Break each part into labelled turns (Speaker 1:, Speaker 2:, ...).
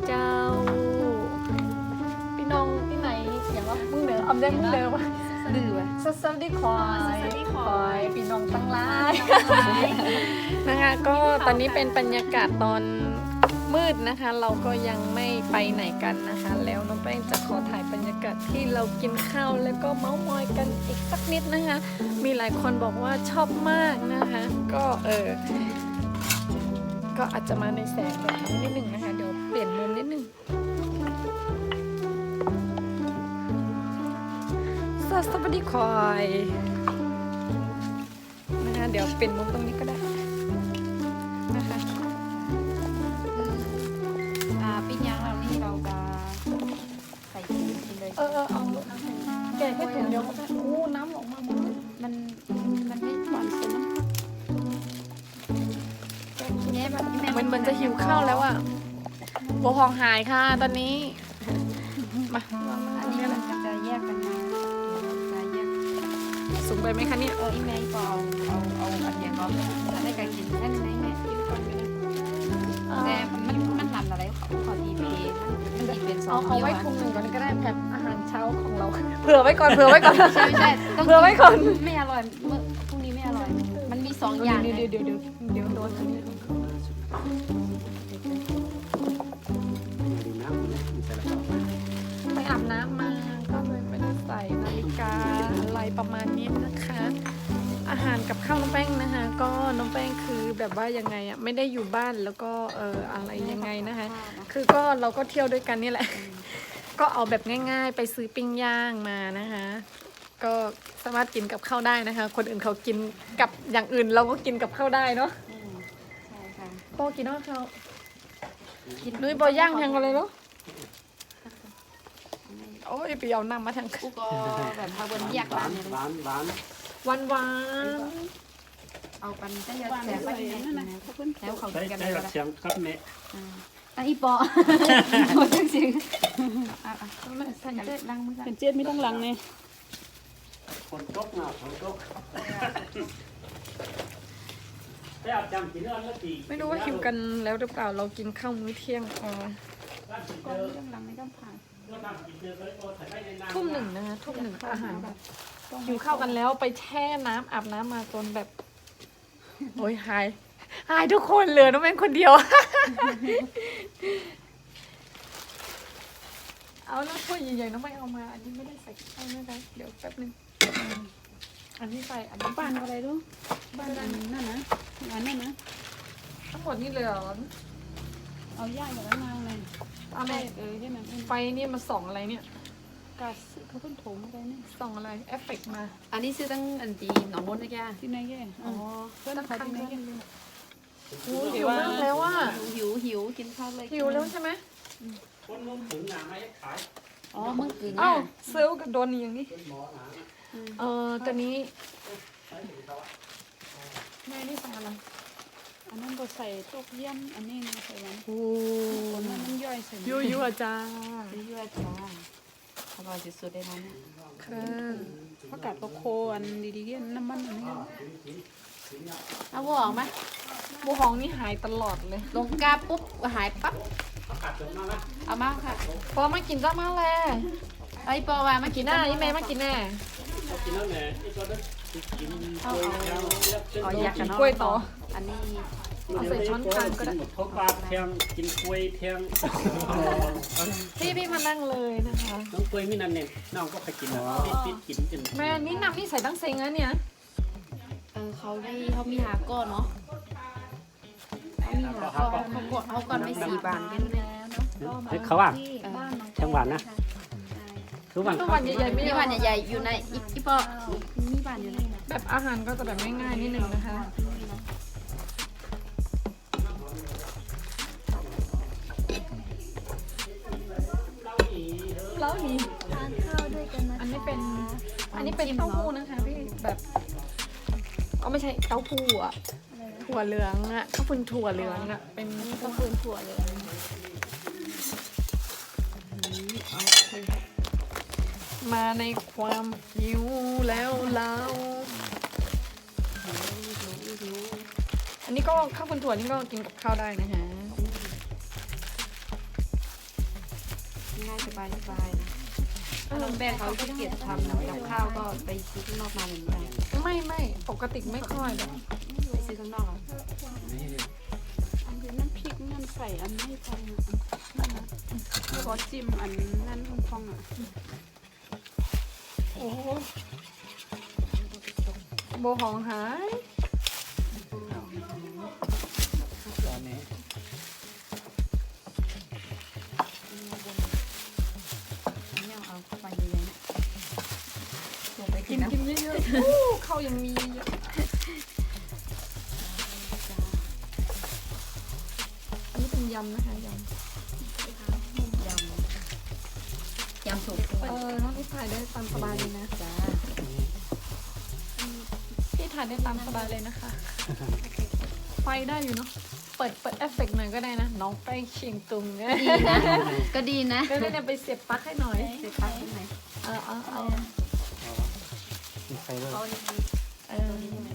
Speaker 1: เจ้าพี่น้องที่ไหนอย่างว่ามึงเด้ออำได้มึงเด้อวะดื้อวะสวัสดีควายพี่น้องตั้งหลายนะคะก็ตอนนี้เป็นบรรยากาศตอนมืดนะคะเราก็ยังไม่ไปไหนกันนะคะแล้วน้องแป้งจะขอถ่ายบรรยากาศที่เรากินข้าวแล้วก็เม้ามอยกันอีกสักนิดนะคะมีหลายคนบอกว่าชอบมากนะคะก็ก็อาจจะมาในแสงแบบนี้นิดหนึ่งนะคะเดี๋ยวเปลี่ยนมุมนิดหนึ่งสวัสดีควายนะคะเดี๋ยวเปลี่ยนมุมตรงนี้ก็ได้นะคะ
Speaker 2: ปิ้งย่างเรานี่เราจะใส่กินเลย
Speaker 1: เอาแกะแค่ถุงเดียวก็ได้โอ้น้ำออกมา
Speaker 2: มันไม่หวานสุดนะ
Speaker 1: มันจะหิวข้าวแล้วอ่ะบัวพองหายค่ะตอนนี้มา
Speaker 2: อันนี้เราจะแยกกันมาจะแยก
Speaker 1: สูงไปไหมคะเนี่ย
Speaker 2: อีเมย์ก็เอาอันเดียวก็ได้การกินได้ไหมแม่กินก่อนก็ได้แต่มันทำอะไรเขาดีเพมันดีเป็น
Speaker 1: เอาไว้ถุงหนึ่งก่อนก็ได้แบบอาหารเช้าของเราเผื่อไว้ก่อนใช่
Speaker 2: ต้อง
Speaker 1: เผื่อไว้ก่อน
Speaker 2: ไม่อร่อยเมื่อพรุ่งนี้ไม่อร่อยมันมี2อย่าง
Speaker 1: เดี๋ยวโดนไปอาบน้ำมาก็เลยไม่ได้ใส่นาฬิกาอะไรประมาณนี้นะคะอาหารกับข้าวน้องแป้งนะคะก็น้องแป้งคือแบบว่ายังไงอ่ะไม่ได้อยู่บ้านแล้วก็อะไรยังไงนะคะคือก็เราก็เที่ยวด้วยกันนี่แหละก็เอาแบบง่ายๆไปซื้อปิ้งย่างมานะคะก็สามารถกินกับข้าวได้นะคะคนอื่นเขากินกับอย่างอื่นเราก็กินกับข้าวได้เนาะ
Speaker 2: ใช่ค่ะ
Speaker 1: ปอกินเนาะเขานุ้ยปอย่างแทงกันเลยเนาะโอ้ยไปเอาน้ำมาทาง
Speaker 2: กูก็แบบมาบนแยกร้านเนี่ย
Speaker 1: หวาน
Speaker 2: เอาปันได้เยอะแสบไปนะแล้วเขากินกันได้
Speaker 3: เสียงครับแม่
Speaker 2: อันอีปอหมดจริง
Speaker 1: สันเจ็ดลังมัน
Speaker 4: เป็นเจ็ดไม่ต้องลังเนี่ย
Speaker 3: คนตกหนาคนตก
Speaker 1: ไม่รู้ว่าหิวกันแล้วหรือเปล่าเรากินข้าวมื้อเที่ยง
Speaker 2: ก่อนไม่ต้องลังไม่ต้องผ่าน
Speaker 1: ทุ่ม 1นะคะทุ่ม 1อาหารแบบหิวข้าวกันแล้วไปแช่น้ำอาบน้ำมาจนแบบโอ้ยหายทุกคนเหลือน้องแม่คนเดียวเอาแล้วถ้วยใหญ่ๆน้องไม่เอามาอันนี้ไม่ได้ใส่ข้าวนะคะเดี๋ยวแป๊บนึงอันนี้ใส่อันนี้
Speaker 4: บ้านอะไรรู้บ้านนั่นนะอันนั้นนะ
Speaker 1: ทั้งหมดนี่เลยเหรอ
Speaker 4: เอาย่าอย่างนั้นมาเลย
Speaker 1: เอาแม่
Speaker 4: ใช่ไหม
Speaker 1: ไฟนี่มาส่องอะไรเนี่ย
Speaker 4: กาซเขาเพิ่งถมอะไรเนี่ย
Speaker 1: ส่องอะไรเอฟเฟกต์มา
Speaker 2: อันนี้ซื้อตั้งอันดีหนองมดนะแก
Speaker 4: ที่ไหนแก
Speaker 1: อ๋อ
Speaker 4: เพื่อนเขาที่ไหนแก
Speaker 1: หิวมากแล้วว่า
Speaker 2: หิวกินข้าวเลย
Speaker 1: หิวแล้วใช่ไหม
Speaker 3: คนมึงถึงหนาไม่ขาย
Speaker 2: อ๋อมึงกึ่ง
Speaker 1: อ้าวเซลล์กับโดนอย่างนี้ตอนนี้แม่นี่สั่งอะไร
Speaker 4: อันนั้นก็ใส่ตกเยี่ยมอันนี้ใส่วัน
Speaker 1: โอ้
Speaker 4: นั่นมันย่อยใส่
Speaker 1: ยั่วจ้า
Speaker 2: ยั่วจ้าอร่อยสุดๆเลยนะ
Speaker 1: ค่ะ
Speaker 4: ผักกาดโคอันดีๆเยี่ยน้ำมันอันนี้
Speaker 2: เอาบัวออกไหม
Speaker 1: บัวหองนี่หายตลอดเลย
Speaker 2: ลงกาปุ๊บหายปั๊บเอามาค่ะ
Speaker 1: พอมากินจ้ามาแล้ว
Speaker 2: ไอ้ปอว่ามากิน
Speaker 1: หน้ายี่แม่มากินแน่
Speaker 2: เอาอยากกันเนาะ
Speaker 1: กล้วยต่อ
Speaker 2: อันนี้
Speaker 1: เอาใส่ช้อนกลางก็ได้
Speaker 3: เขาปลาแทงกินกล้วยแทง
Speaker 1: พี่มานั่งเลยนะคะ
Speaker 3: น้องกล้วยไม่นั่นเนี่ยน้องก็ไปกินปิดกินจน
Speaker 1: แม่นี่น้ำนี่ใส่ตั้งเซ็งนะเนี่ย
Speaker 2: เขามีหาก้อนเนาะเขาก่อนไม่4 บาทกันแล้วเนาะ
Speaker 3: เขาว่าจังหวัดนะ
Speaker 1: ทุกวันใหญ่ๆไม่
Speaker 2: มีวันใหญ่ๆอยู่ในอีปอมีบ้านอยู่ใน
Speaker 1: แบบอาหารก็จะแบบง่ายๆนิดนึงนะคะแล้วนี่
Speaker 2: ทานข้าวด้วยกันนะ
Speaker 1: อันนี้เป็นเต้าหู้นะคะพี่แบบไม่ใช่เต้าหู้อ่ะถั่วเหลืองอ่ะข้าวปุ้นถั่วเหลืองอ่ะเป็น
Speaker 2: ข้าวปุ้นถั่วเหลือง
Speaker 1: มาในความหิวแล้วเราอันนี้ก็ข้าวปุ้นถั่วนี่ก็กินกับข้าวได้นะคะ
Speaker 2: บายนะถ้าน้องแป้งเขาขี้เกียจทำกับข้าวก็ไปซื้อข้างนอกมาเหมือนกัน
Speaker 1: ไม่ปกติไม่ค่อยหรอก
Speaker 2: ไปซื้อข้างนอก
Speaker 4: อันนี้น้ำพริกนั่นใส่อันไม่พองอ่ะแล้วก็จิ้มอันนั่นพองอ่ะ
Speaker 1: โอ้โหโบหองหาย
Speaker 3: ตอนนี้
Speaker 2: เนี่ยเอาเข้าไปเลยนะลงไปกิ
Speaker 1: กิ
Speaker 2: น
Speaker 1: น
Speaker 2: น้ำ
Speaker 1: กินเยอะๆอู้ข้าวยังมีเยอะอันนี้เป็นยำนะคะยำ
Speaker 2: ยำสุก
Speaker 1: น้องที่ถ่ายได้ตามสบายเลยนะ
Speaker 2: จ้า
Speaker 1: พี่ถ่ายได้ตามสบายเลยนะคะ ไฟได้อยู่เนาะ เปิดเอฟเฟกต์หน่อยก็ได้นะ น้องแป้งเชียงตุงเนี่ย
Speaker 2: ดีนะก็ดีนะ
Speaker 1: ก็ได้ไปเสียบปลั๊กให้หน่อย
Speaker 2: เสร็จปั๊บที่ไหน
Speaker 1: เอา
Speaker 3: มีไฟด้วย
Speaker 1: เออ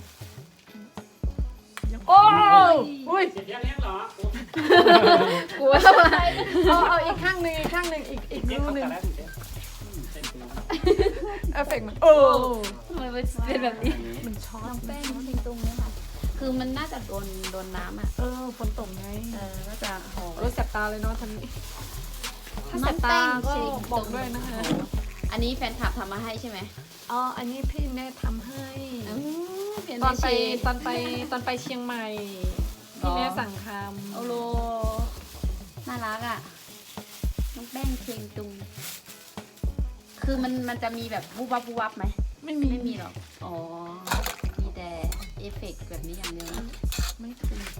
Speaker 1: โอ้ยอุ้ย
Speaker 3: เสร็จยังเลี้ยงเหรอก
Speaker 1: ลัวเอาอีกข้างหนึ่งอีก
Speaker 3: เลี้ยง
Speaker 1: รู
Speaker 3: เขา
Speaker 1: หนึ่ง
Speaker 3: แต่ละเส้นตัว
Speaker 1: เอฟเฟกต์มันโอ้
Speaker 2: ทำไมเป็นแบบนี้
Speaker 1: มันช็อต
Speaker 2: แป้งทิ้งตรงนี้ค่ะคือมันน่าจะโดนน้ำอ่ะ
Speaker 1: ฝนตกไง
Speaker 2: ก็จะหอม
Speaker 1: รถแสบตาเลยเนาะทันนี้ถ้าแสบตาก็บอกด้วยนะคะ
Speaker 2: อันนี้แฟนคลับทำมาให้ใช่ไหม
Speaker 1: อ๋อ อันนี้พี่แม่ทำให้
Speaker 2: เปลี่ยน
Speaker 1: ตอนไป
Speaker 2: เชฟ
Speaker 1: ตอนไปเชียงใหม่ พี่แม่สั่งท
Speaker 2: โอโลน่ารักอ่ะน้องแป้งเชียงตุง คือมันจะมีแบบวูบวับไหม
Speaker 1: ำไม่มี
Speaker 2: ไม่มีหรอก อ๋อ มีแต่เอฟเฟกต์แบบนี้อย่างเดียวนะ
Speaker 1: ไม่ถูก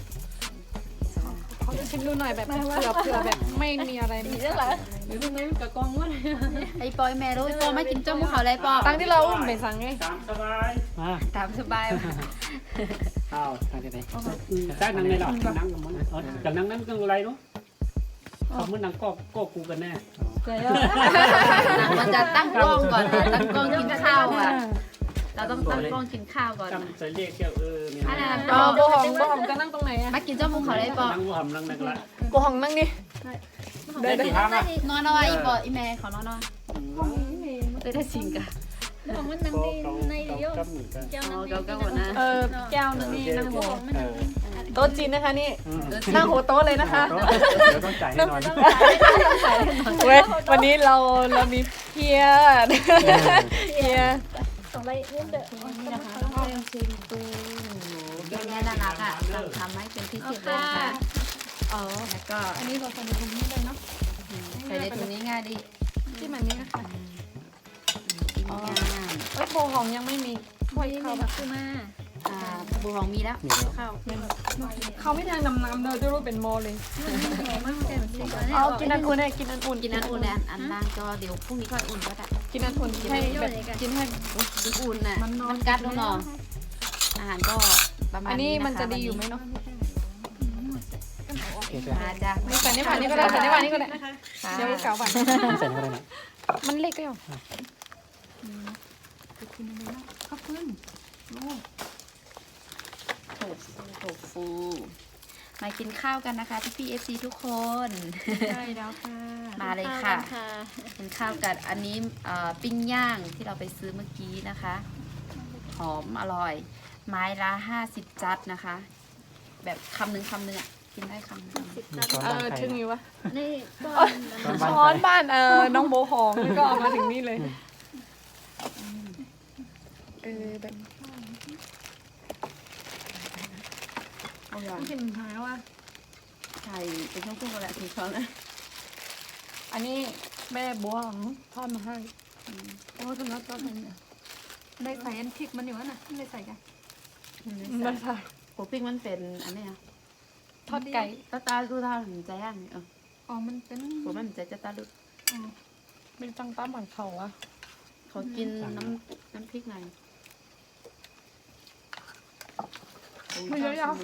Speaker 1: เขาจะชิมดูหน่อยแบบเผื่อแบบไม่มีอะไรมีเรื่องอะไร
Speaker 2: หรือตรงนี้กับกองว่าไอ้ปอยแม่รู้ไอ้ปอยไม่กินจ้มเขาเลยปอ
Speaker 1: ตั้งที่เราอุ้มไปสั่งไง
Speaker 3: ตามสบายมา
Speaker 2: ตามสบาย
Speaker 3: เอาทางที่ไหนจ้างนั่งในหรอนั่งกับมันกับนั่งนั่นก็อะไรรู้เขาเมื่อนั่งก็กูกันแน่
Speaker 2: มันจะตั้งกล้องก่อนนะตั้งกล้องกินข้าวอ่ะ เราต้องตั้งกล้องกินข้าวก่อนนะ
Speaker 3: จำจะเรียกเกี่ยวเนี่ย
Speaker 2: อันนั้น
Speaker 1: โบหองจะนั่งตรงไหนอะ
Speaker 2: มากินจ้มเขาเลยปอ
Speaker 3: นั่งหัวหำนั่งนั่งละ
Speaker 1: โบหองนั่งดิ
Speaker 3: ได้กี่ทางอ่ะ
Speaker 2: นอนเอาไว้อีปออีแม่ขอนอนเอาได้จริงกะ
Speaker 3: ก็เหมือนกัน
Speaker 2: อ๋อก็หมดนะ
Speaker 1: แก้วนึงนี่นั่งหัวโต๊ะจีนนะคะนี่นั่งหัวโต๊ะเลยนะคะ
Speaker 3: เดี๋ยวต้องจ่ายให้นอน
Speaker 1: เว้ยวันนี้เรามีเพียเพีย
Speaker 2: นี่นะคะต้องเอาซิงตูแก้วนี้น่ารักอ่ะทำให้เป็นพิเศษเลยค่ะ
Speaker 1: อ๋อ
Speaker 2: แล้วก็
Speaker 1: อันนี้เราใส่ในถุงนี้เลยเนาะ
Speaker 2: ใส่ในถุงนี้ง่ายดี
Speaker 1: ที่มันนี้นะคะ
Speaker 2: กินง่าย
Speaker 1: โบหองยังไม่มีถ้วยข้าวแบบ
Speaker 2: คือมาบูรองมีแล้ว
Speaker 3: มีแล้ว
Speaker 2: ข้าว
Speaker 1: เขาไม่ทางน้ำเลยจะรู้เป็นโมเลยเอากินอันอุ่นเลยกินอันอุ่น
Speaker 2: กินอันอุ่นเลยอันล่างก็เดี๋ยวพรุ่งนี้ก็อุ่นก็ได้
Speaker 1: กินอันอุ่นให้แบบกินให้
Speaker 2: กินอุ่นน่ะมันกัดแล้วเนาะอาหารก็ประมาณ
Speaker 1: อันนี้
Speaker 2: นี้
Speaker 1: มันจะดีอยู่ไหมเนาะ
Speaker 3: โอเค
Speaker 2: มาจ้ะ
Speaker 1: ใส่ในผ่านนี้ก็ได้ใส่ในผ่านนี้ก็ได้
Speaker 2: ค่ะ
Speaker 1: เดี๋ยวเก่าผ่าน
Speaker 3: ใส่เข้าไปนะ
Speaker 1: มันเล็กก็ยัง
Speaker 2: ขอบคุณโถฟูมากินข้าวกันนะคะพี่ๆ FC ทุกคน
Speaker 4: ใช่แล้วค่ะ
Speaker 2: มาเลยค่ะกินข้าวกันอันนี้ปิ้งย่างที่เราไปซื้อเมื่อกี้นะคะ หอมอร่อย ไม้ละ50 จัดนะคะ แบบคำหนึ่งอ่ะกินได้คำหนึ่ง
Speaker 1: ถึงอยู่วะ
Speaker 4: นี่ก็
Speaker 1: ช้อนบ้านน้องโบหองแล้วก็เอามาถึงนี่เลยแบบ
Speaker 2: เอาอย่าง
Speaker 1: เห็นหายว่า
Speaker 2: ไข่เป็นช่วงๆกันแหละถึงช้อนนะ
Speaker 1: อันนี้แม่บัวของทอดมาให้โอ้ถึงแล้วทอดให้เนี่ย
Speaker 4: ได้ใส่อันพริกมันอยู่นะไม่ได้ใส่กัน
Speaker 1: ไม่ใช่
Speaker 2: หัวปิ้งมันเป็นอันนี้นะ
Speaker 1: ทอดไก่
Speaker 2: ตาดูตาถึงใจย่างนี่
Speaker 4: อ๋อมันเป็น
Speaker 2: หัวมันใจจะตาลุ
Speaker 1: เป็นจังตั้มเหมือนเขาอะ
Speaker 2: เขากินน้ำพริกหน่อย
Speaker 1: ไม่เยอะยัง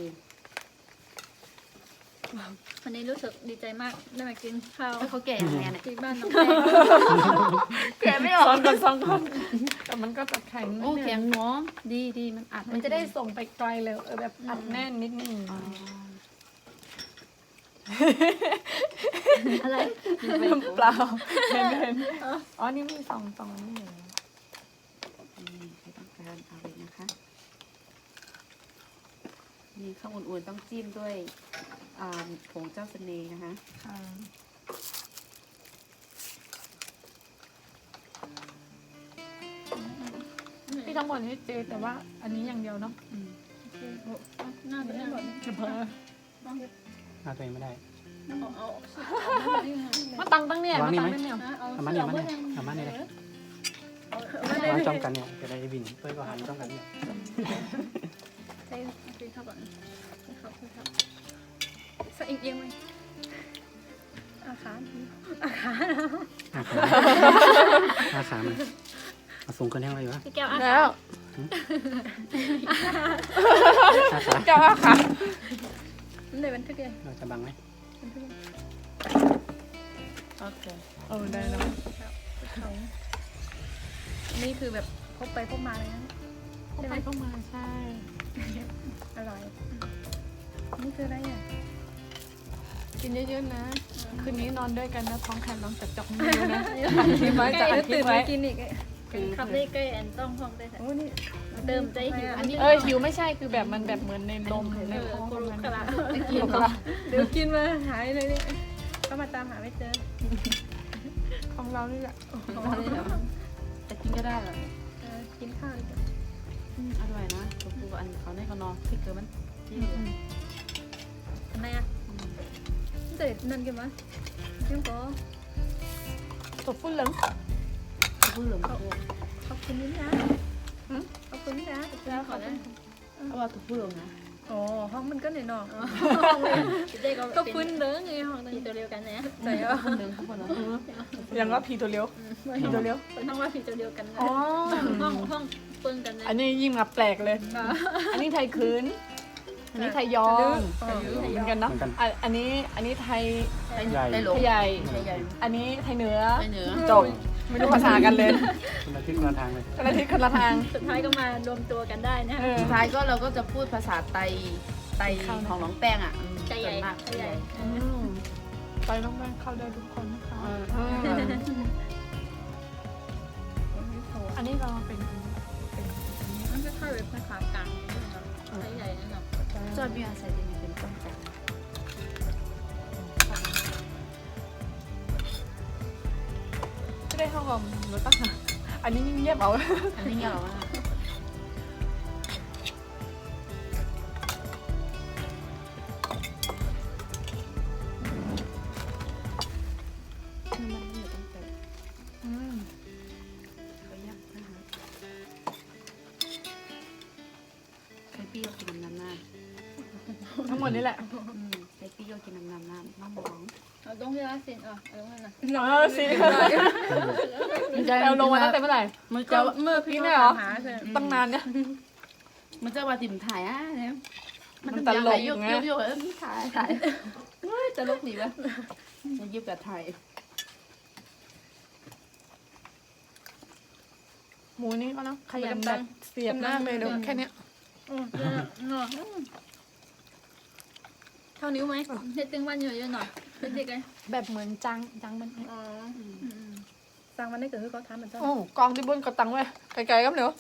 Speaker 4: วันนี้รู้สึกดีใจมากได้มากินข้าว
Speaker 2: เขาแก่ยังไงเนี่ย
Speaker 4: ที่บ้านน้อง
Speaker 2: แก่ไม่ออก
Speaker 1: สองคนแต่มันก็จะแข็ง
Speaker 2: โอ้แข็งหน้องดีมันอัด
Speaker 1: มันจะได้ส่งไปไกลเลยแบบอัดแน่นนิดนึง
Speaker 4: อะไร
Speaker 1: เปล่าเห็นอ๋อนี่มีสองนี่เหรอ
Speaker 2: นี่ไม่ต้องการเอาเลยนะคะนี่ข้าวอุ่นๆต้องจิ้มด้วยผงเจ้าเสน่ห์นะคะ
Speaker 1: ค่ะที่ทั้งหมดนี่เจแต่ว่าอันนี้อย่างเดียวเนาะ
Speaker 4: น่าจะได้แบบ
Speaker 1: จะเพิ่ม
Speaker 3: หาตัวเองไม่ได้
Speaker 4: เอา
Speaker 1: มาตั้งเนี่ย
Speaker 3: วาง
Speaker 1: มา
Speaker 3: นี่
Speaker 1: ตั้
Speaker 3: ไหม
Speaker 1: งเนี่ย
Speaker 3: เอามาเนี่ยเอามาเนี่ยเลยวางจ้องกันเนี่ยจะได้บินเพื่อก็หันจ้องกันเนี่ย
Speaker 4: ใช่คือครับก่อนครับใส่เอียงไหมอาขา
Speaker 3: อาขามันเอาสูงขึ้นแห้งเลยอยู่วะ
Speaker 4: พี่แก้วอา
Speaker 1: แล้ว
Speaker 3: อาขา
Speaker 1: เจ้าค่ะ
Speaker 4: ในบันทึกเลย
Speaker 3: เราจะบังไหม
Speaker 2: โอเค
Speaker 1: ได้แล้ว
Speaker 4: เขานี่คือแบบพบไปพบมาเลยนะ
Speaker 1: เข้าไปเข้ามาใช่
Speaker 4: อร่อยนี่คืออะไรอ่ะ
Speaker 1: กินเยอะๆนะ คืนนี้นอนด้วยกันนะท้องแข็งน้องจับจอกมือนะทีไว้จะอัดคลิ
Speaker 4: ตื่
Speaker 1: ป
Speaker 4: น
Speaker 1: ไว้
Speaker 4: มากินอีกครับนี่ใกล้แอนต้องห้องได้โอ้นี่เติมใจหิวอันนี้
Speaker 1: หิวไม่ใช่คือแบบมันแบบเหมือนในนมในท้อง
Speaker 4: โค
Speaker 1: มัน
Speaker 4: คารา
Speaker 1: กินละ
Speaker 4: เดี๋ยวกินมาหายเลยนี่ก็มาตามหาไม่เจอ
Speaker 1: ของเรานี่แหละ
Speaker 2: แต่กินก็ได้เหรอ
Speaker 4: กินข้าวเลยจ้ะ
Speaker 2: อร่อยนะตัวปูอันเขาในเขานอนพริกเกลือมันที่
Speaker 4: ทำไมอ่ะเด็ดนั่นกันมั้ยจิ้มก็
Speaker 1: ตบฟุ้นเหลือง
Speaker 2: พูดเหลืองตัว
Speaker 4: ขอบคุณนิดนะขอบคุณนิดนะแล้วขอนะ
Speaker 2: เอาว่าตัวพูดเหลืองนะ
Speaker 4: อ๋อห้องมันก็หน่อยหน่อก็พื้นเด้อไงห้องนั้นตัวเดียวกันนะใช่เหรอ
Speaker 2: เหลืองข้างบนเนาะ
Speaker 1: อย่างว่าผีตัวเลี้ยวผีตัวเลี้ยว
Speaker 4: เป็นห้องว่าผีตัวเดียวกันนะ
Speaker 1: อ๋อ
Speaker 4: ห้องเปิ้งกันนะ
Speaker 1: อันนี้ยิ่งมาแปลกเลย อันนี้ไทยคืน อันนี้ไทยยองเหมือนกันเนาะอันนี้ไทย
Speaker 3: ใหญ่
Speaker 2: ได้หล
Speaker 1: ไท
Speaker 2: ง
Speaker 1: ยใหญ่
Speaker 2: ใหญ่
Speaker 1: อันนี้ไทยเหนือ
Speaker 2: ไปเหนือ
Speaker 1: จบ ไม่รู้ภาษากันเลย
Speaker 3: คนละทิศคนละทางเลย
Speaker 1: คนละทิศคนละทาง
Speaker 4: สุดท้ายก็มารวมตัวกันได้นะ
Speaker 2: สุดท้ายก็เราก็จะพูดภาษาไตของน้องแป้งอ่ะ
Speaker 4: ใจใหญ่
Speaker 2: มาก
Speaker 4: ใจใหญ่
Speaker 1: ไปน้องแม่เข้าได้ทุกคนนะคะ อันนี้เราเป็น
Speaker 4: มันก็ค่อยเป็นภาษากลางใจใหญ่นะครับ
Speaker 2: จอดมีอาศัยจะมีเป็นต้นจาก
Speaker 1: ไม่ได้เข้ากับรถตั้งหาอันนี้เงียบเอา
Speaker 2: อันนี้เงี้ยหรอวะมันไม่อยู่ตั้งแต่เขายักนะคะใครปี้ก็กินน้ำหน้า
Speaker 1: ทั้งหมดนี่แหละ
Speaker 2: ใครปี้ก็กินน้ำหน้าน้องมอง
Speaker 4: เอาต้องเรียกสิเอาต้องนั่นนะ
Speaker 1: สิเราลงมาตั้งแต่เมื่อไหร่
Speaker 2: มันจะ
Speaker 1: เมื่อพี่เนี่ยเหรอ
Speaker 4: หาใช่
Speaker 1: ตั้งนานเนี่ย
Speaker 2: มันจะว่าติ่มถ่ายอ่ะเนี่ย
Speaker 1: มันตลก
Speaker 2: ยก
Speaker 1: ไง
Speaker 2: ยกถ่ายเฮ้ยตลกดีวะมันยิบกับถ่าย
Speaker 1: หมูนี่ก็นะขยันแบบเสียบมากเลยเดี๋ยวแค่เนี้ย
Speaker 4: เท่านิ้วไหมเฮ็ดตึงวันเยอะๆหน่อยเด็กๆเลย
Speaker 1: แบบเหมือนจังมัน
Speaker 4: อ๋อสั่งมันได้เกิดขึ้นเขาทำเหมือนกัน
Speaker 1: โอ้กองที่บนกระตังไว้ไกลๆครับเดี๋ยว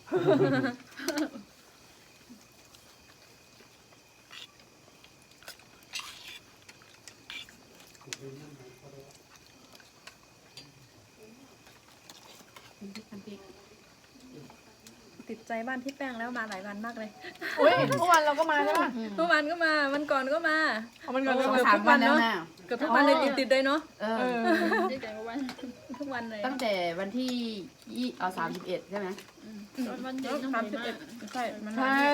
Speaker 4: ติดใจบ้านพี่แป้งแล้วมาหลายวันมากเลย
Speaker 1: อุ้ยเมื่อวานเราก็มาใช่ไหม
Speaker 4: เมื่อวานก็มาวันก่อนก็มา
Speaker 1: เอามันก่อน
Speaker 2: ส
Speaker 1: เลย
Speaker 2: องสามวันแล้วนะ
Speaker 4: เกือบทุกวันเลยติดๆเลยเนาะ
Speaker 2: เอ
Speaker 1: เอ
Speaker 2: อ
Speaker 1: อ
Speaker 4: ติดใจทุกวันทุกวันเลย
Speaker 2: ตั้งแต่วันที่31ใช่ไหม
Speaker 4: วันที่31ใช่มัน
Speaker 1: ใช่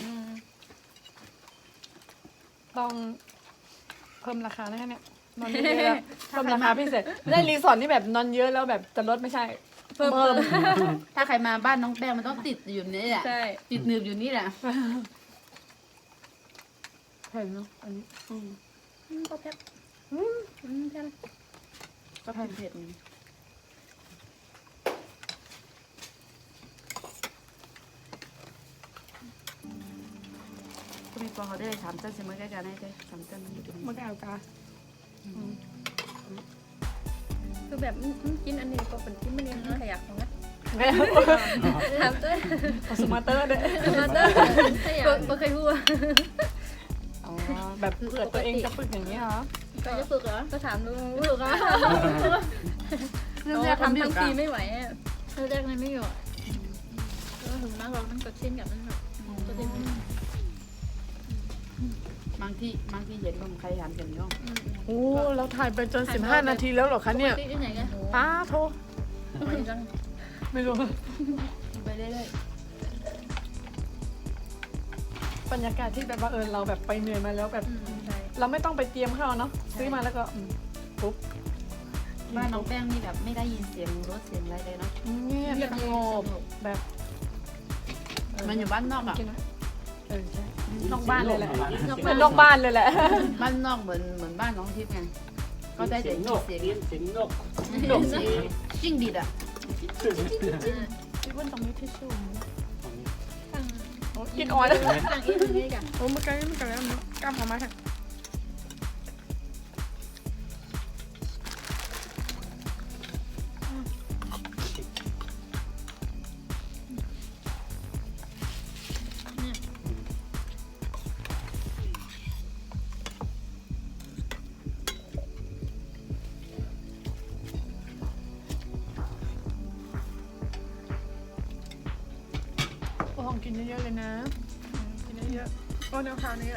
Speaker 1: ต้องเพิ่มราคาได้แค่เนี้ยนอนเยอะแล้วเพิ่มราคาพิเศษได้รีสอร์ทนี่แบบนอนเยอะแล้วแบบจะลดไม่ใช่เพิ่ม
Speaker 2: ถ้าใครมาบ้านน้องแป้งมันต้องติดอยู่นี่แหละ
Speaker 4: ใช่
Speaker 2: ติดหนึบอยู่นี่แหละ
Speaker 1: เห็นเนาะอันนี้
Speaker 4: ก็แพ็คแพ็ค
Speaker 2: ก็เผ็ดๆนี่ก็มีปอเขาได้เลย3 เต้นเสมอใกล้กันได้เลย3 เต้นมันอยู่ตรงนี้
Speaker 1: มันก็เอากา
Speaker 5: คือแบบกินอันนี้ก็เป็นกินมันนี่ขยักของนะ
Speaker 1: แม่
Speaker 5: ถามด้วย
Speaker 1: สมาเตอร์เด้อ
Speaker 5: มาเตอร์ขยักไม่เคยพูด
Speaker 1: อ๋อแบบเผื่อตัวเองจะฝึกอย่างนี้เหรอ
Speaker 5: ก็จะฝึกเหรอก็ถามดูฝึกอ่ะเราทำทั้งปีไม่ไหวแรกๆไม่อยู่ก็ถึงมากเรามันก็เช่นกับมันแบบก็ได้
Speaker 2: บางที่เห็นบางใครหันกันย่อง
Speaker 1: โอ้เราถ่ายไปจน15 นาทีแล้วเหรอคะเนี่ย
Speaker 5: ที่ไหนกัน
Speaker 1: ป้าโทร
Speaker 5: ไปจัง
Speaker 1: ไม่รู้
Speaker 2: ไปเรื่อย
Speaker 1: บรรยากาศที่แบบว่าเราแบบไปเหนื่อยมาแล้วแบบ
Speaker 5: ใช่
Speaker 1: เราไม่ต้องไปเตรียมข้าวเนาะซื้อมาแล้วก็ปุ๊บ
Speaker 2: ๆบ้านน้องแป้งนี่แบบไม่ได้ยินเสียงรถเสียงอะไรเลยเนาะ
Speaker 1: เงียบสงบแบบ
Speaker 2: มันอยู่บ้านนอกอ่ะ
Speaker 1: กินไหมใช่นอกบ้านเลยแหละ
Speaker 3: นอก
Speaker 1: เป็นนอกบ้านเลยแหละ
Speaker 2: บ้านนอกเหมือนบ้านน้องทิพย์ไงก็ได้แต่
Speaker 3: เสียง
Speaker 2: ยิ
Speaker 3: น
Speaker 2: น
Speaker 3: ก
Speaker 2: เสียง
Speaker 3: เสียงนก
Speaker 2: นกสีจิ้งดีดอ่ะ
Speaker 1: พี่ว่าตรงนี้ที่ชู
Speaker 5: ตั้ง
Speaker 1: กินอ่อน
Speaker 5: ตั้งอีกทีกัน
Speaker 1: โอ้มันไกลแล้วกล้ามออกมาค่ะโอ้ของกินเยอะๆเลยนะกินเยอะๆก็แนวทางนี้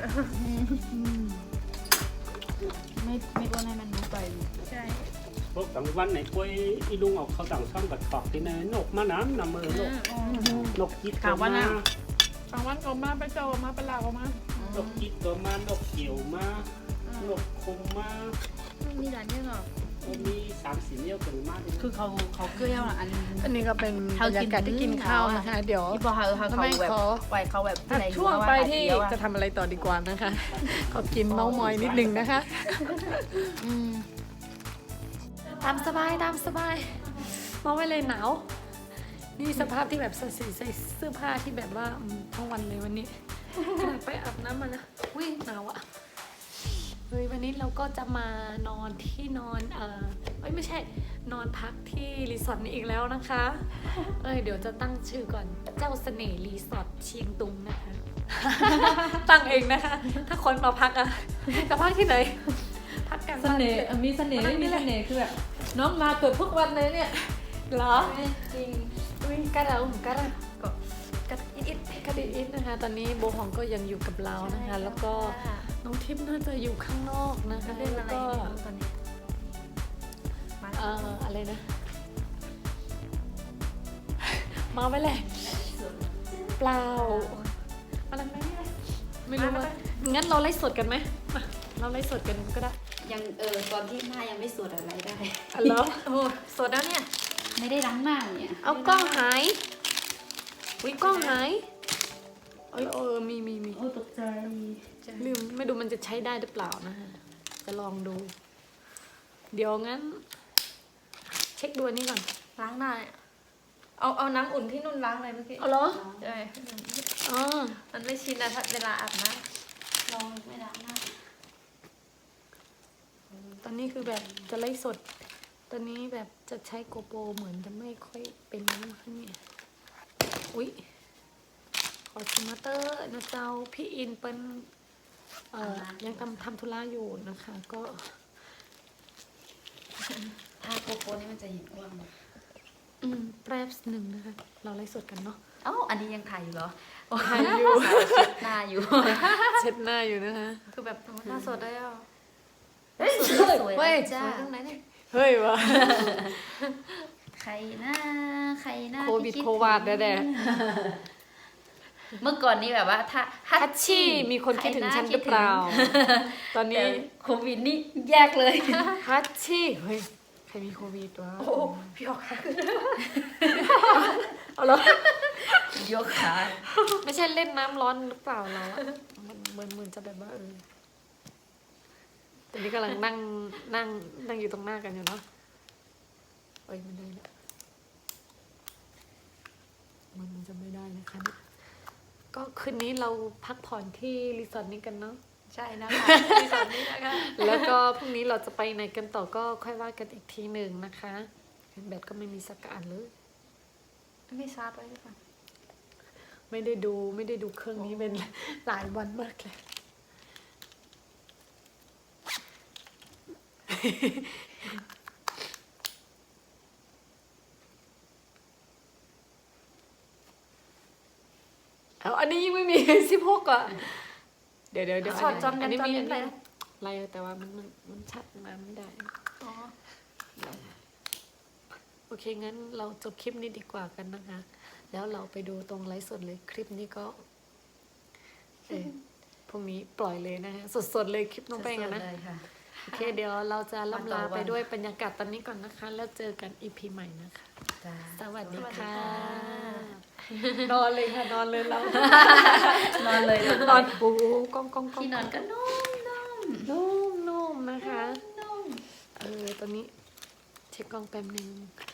Speaker 2: ไม่ก็ให้มันรู้ไป
Speaker 5: ใช่
Speaker 3: พวกต่างวันไหนคุยอีลุงออกเขาต่างช่องกับขอบที่ไหนนกมาน้ำนำมือนกจิตตัวมาน
Speaker 1: างวันก็มาไปเจอมาไปลาวมาน
Speaker 3: กจิตตัวมานกเกี่ยวมานกคงมา
Speaker 5: มีหลานเยอะหรอ
Speaker 3: มี3-4เนี่ยถึงมาก
Speaker 2: คือเขาเกลี้ยวอ่ะอัน
Speaker 1: อันนี้ก็เป็นบรรยากาศที่กินข้าวนะคะเดี๋ยว
Speaker 2: ที่พอเขาแบบปล่อยเขาแบบ
Speaker 1: ช่วงไปที่จะทำอะไรต่อดีกว่านะคะขอกินเมาส์มอยนิดนึงนะคะตามสบายมาไว้เลยหนาวนี่สภาพที่แบบใส่เสื้อผ้าที่แบบว่าทั้งวันเลยวันนี้ขนาดไปอาบน้ำมานะอุ้ยหนาวอ่ะเฮ้ยวันนี้เราก็จะมานอนที่นอนไม่ใช่นอนพักที่รีสอร์ทนี้อีกแล้วนะคะเดี๋ยวจะตั้งชื่อก่อนเจ้าเสน่ห์รีสอร์ทเชียงตุงนะคะ ตั้งเองนะคะ ถ้าคนมาพักอะจะพักที่ไหนพักกัน
Speaker 6: เสน่ห์มีเสน่ห์มีเสน่ห์คือแบบน้องมาเกิดทุกวันเลยเนี่ย
Speaker 1: เหรอ
Speaker 6: จริง
Speaker 1: อุ้ยกระอิดนะคะ ตอนนี้โบฮองก็ยังอยู่กับเรานะคะ แล้วก็น้องทิพย์น่าจะอยู่ข้างนอกนะคะ
Speaker 5: เล่น
Speaker 1: แล้
Speaker 5: อะ
Speaker 1: ว
Speaker 5: ไร
Speaker 1: ก็
Speaker 5: ตอนนี้
Speaker 1: อะไรนะ มาไปแหละเปล่ามาทำไมเนี่ยไม่รู้ว่างั้นเราไลฟ์สดกันไหมมาเราไลฟ์สดกันก็ได้
Speaker 2: ยังตอนที่หน้ายังไม่สวดอะไรได้
Speaker 1: อ๋อเหรอโอ้สดแล้วเนี่ย
Speaker 2: ไม่ได้ล้างหน้าเนี่ย
Speaker 1: เอากล้องหายวิกล้องหายมี
Speaker 6: โอ้ตกใจ
Speaker 1: ลืมไม่ดูมันจะใช้ได้หรือเปล่านะฮะจะลองดู เดี๋ยวงั้น เช็คดูอันนี้ก่อน
Speaker 5: ล้างหน้าเอาน้ำอุ่นที่นุ่นล้างเลยเมื่อกี้
Speaker 1: เอาเหรอ
Speaker 5: ใช่
Speaker 1: อ๋อ
Speaker 5: มันไม่ชินนะเวลาอาบน้
Speaker 2: ลองไม่ล้างหน้า
Speaker 1: ตอนนี้คือแบบจะไล่สด ตอนนี้แบบจะใช้โกโปรเหมือนจะไม่ค่อยเป็นนะคะเนี่ยอุ๊ยขอสมาเตอร์นะเจ้าพี่อินเป็นยังทำธุระอยู่นะคะ ก็
Speaker 2: ถ้าโกโก้นี่มันจะเห็นอ้วน
Speaker 1: แป๊บหนึ่งนะคะ เราไล่สดกันเนาะ
Speaker 2: เอ้าอันนี้ยังถ่ายอยู่เหรอ
Speaker 1: ถ่ายอยู่
Speaker 2: หน้าอยู่
Speaker 1: เช็ดหน้าอยู่นะคะ
Speaker 5: ำคือแบบหน้าสดได้อ่ะ
Speaker 2: สวย
Speaker 1: เฮ้ย
Speaker 2: จ้า
Speaker 5: ตรงไหนเนี่ย
Speaker 1: เฮ้ยวะ
Speaker 2: ใครหน้า
Speaker 1: โควิดโควาดแด่
Speaker 2: เมื่อก่อนนี้แบบว่าถ้า
Speaker 1: ฮัตชี่มีคนคิดถึงฉันหรือเปล่า ตอน
Speaker 2: แต่
Speaker 1: นี้
Speaker 2: โควิดนี่แยกเลย
Speaker 1: ฮัตชี่เฮ้ยใครมีโควิดวะ
Speaker 5: โอ้พี่ออกค่ะ
Speaker 1: เอาเหรอย
Speaker 2: กขา
Speaker 1: ไม่ใช่เล่นน้ำร้อนหรือเปล่าเราอะมันเหมือนจะแบบว่าตอนนี้กำลังนั่งอยู่ตรงหน้ากันอยู่เนาะเอ้ยมันได้แล้วมันจะไม่ได้นะคะเนี่ยก็คืนนี้เราพักผ่อนที่รีสอร์ทนี้กันเนาะ
Speaker 2: ใช่นะคะมีสอนนี้นะคะ
Speaker 1: แล้วก็พรุ่งนี้เราจะไปไหนกันต่อก็ค่อยว่ากันอีกทีหนึ่งนะคะแบตก็ไม่มีสักอันเลย
Speaker 2: ไม่ชาร์จไว้หรือเปล่า
Speaker 1: ไม่ได้ดูเครื่องนี้เป็นหลายวันมากเลย เอาอันนี้ยังไม่มี 16อ่ะ เดี๋ยว
Speaker 2: ชอดจอน
Speaker 1: อันนี้มี
Speaker 2: ไปนะ
Speaker 1: อะไรแต่ว่ามันชัดมาไม่ได้
Speaker 5: อ๋อ
Speaker 1: โอเค งั้นเราจบคลิปนี้ดีกว่ากันนะคะ แล้วเราไปดูตรงไลฟ์สดเลย คลิปนี้ก็พรุ่งนี้ปล่อยเลยนะคะสดๆเลยคลิปน้องแป้งอะนะ
Speaker 2: สดๆเลยค่ะ
Speaker 1: โอเค เดี๋ยวเราจะล่ำลา
Speaker 2: วันต่อวัน
Speaker 1: ไปด้วยบรรยากาศตอนนี้ก่อนนะคะ แล้วเจอกันอีพีใหม่นะคะ
Speaker 2: จ้า
Speaker 1: สวัสดีค่ะ
Speaker 2: สวัสดี
Speaker 1: นอนเลยค่ะ นอนเลยเรา
Speaker 2: นอนเลย
Speaker 1: นอนปูก้อง
Speaker 2: ที่นอนก็นุ่ม
Speaker 1: นุ่มนะคะ
Speaker 2: นุ่ม
Speaker 1: ตอนนี้เช็คกล้องแป๊บนึง